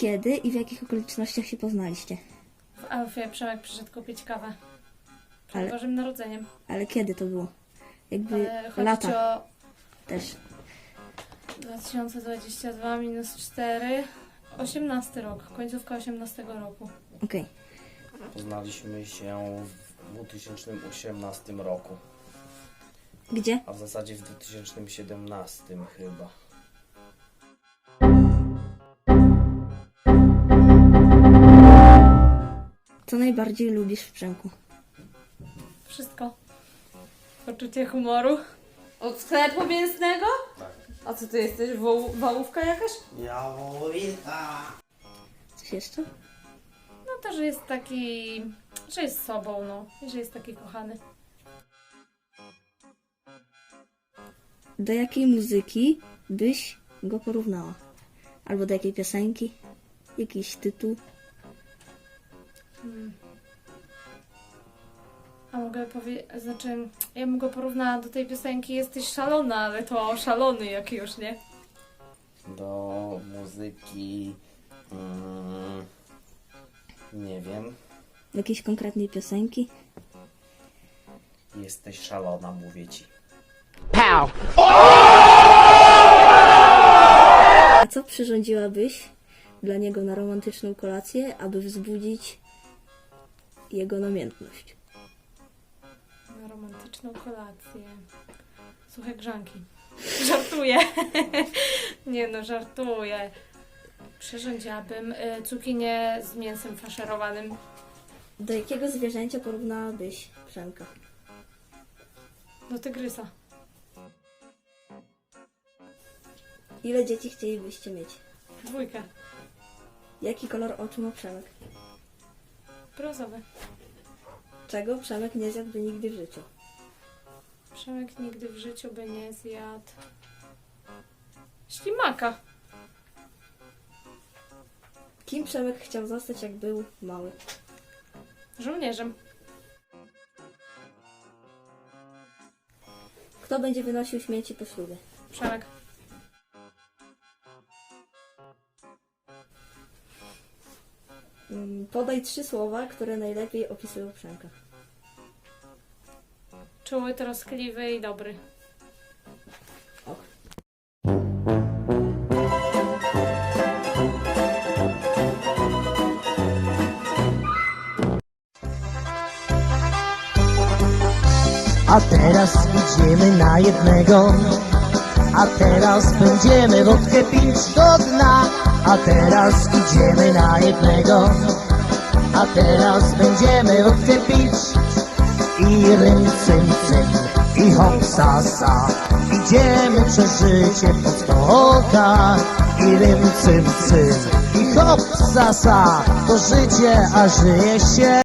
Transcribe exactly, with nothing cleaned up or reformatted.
Kiedy i w jakich okolicznościach się poznaliście? W Alfie Przemek przyszedł kupić kawę. Przed Ale- Bożym Narodzeniem. Ale kiedy to było? Jakby Ale chodzi lata ci o też. dwa tysiące dwudziesty drugi minus cztery. osiemnasty rok. Końcówka osiemnastego roku. Okej. Poznaliśmy się w dwa tysiące osiemnastym roku, Gdzie? a w zasadzie w dwa tysiące siedemnastym chyba. Co najbardziej lubisz w Przemku? Wszystko. Poczucie humoru. Od sklepu mięsnego? Tak. A co ty jesteś? Woł- wałówka jakaś? Jałowita! Coś jeszcze? No to, że jest taki... że jest sobą, no. I że jest taki kochany. Do jakiej muzyki byś go porównała? Albo do jakiej piosenki? Jakiś tytuł? Hmm. A mogę powiedzieć, znaczy, ja bym go porównała do tej piosenki Jesteś szalona, ale to szalony jak już, nie? Do muzyki... Mm, nie wiem. Do jakiejś konkretnej piosenki? Jesteś szalona, mówię ci. A co przyrządziłabyś dla niego na romantyczną kolację, aby wzbudzić jego namiętność? Na romantyczną kolację. Suche grzanki. Żartuję. Nie no, żartuję. Przyrządziłabym y, cukinię z mięsem faszerowanym. Do jakiego zwierzęcia porównałabyś Przemka? Do tygrysa. Ile dzieci chcielibyście mieć? Dwójkę. Jaki kolor oczu ma Przemek? Brązowy. Czego Przemek nie zjadłby nigdy w życiu? Przemek nigdy w życiu by nie zjadł ślimaka. Kim Przemek chciał zostać, jak był mały? Żołnierzem. Kto będzie wynosił śmieci po ślubie? Przemek. Mm, Podaj trzy słowa, które najlepiej opisują Przemka. Czuły, troskliwy i dobry. Och. A teraz idziemy na jednego. A teraz będziemy wódkę pić do dna. A teraz idziemy na jednego. A teraz będziemy wódkę pić. I rym cym cym, i hop sa sa. Idziemy przez życie po stokach. I rym cym cym, i hop sa sa. To życie, a żyje się.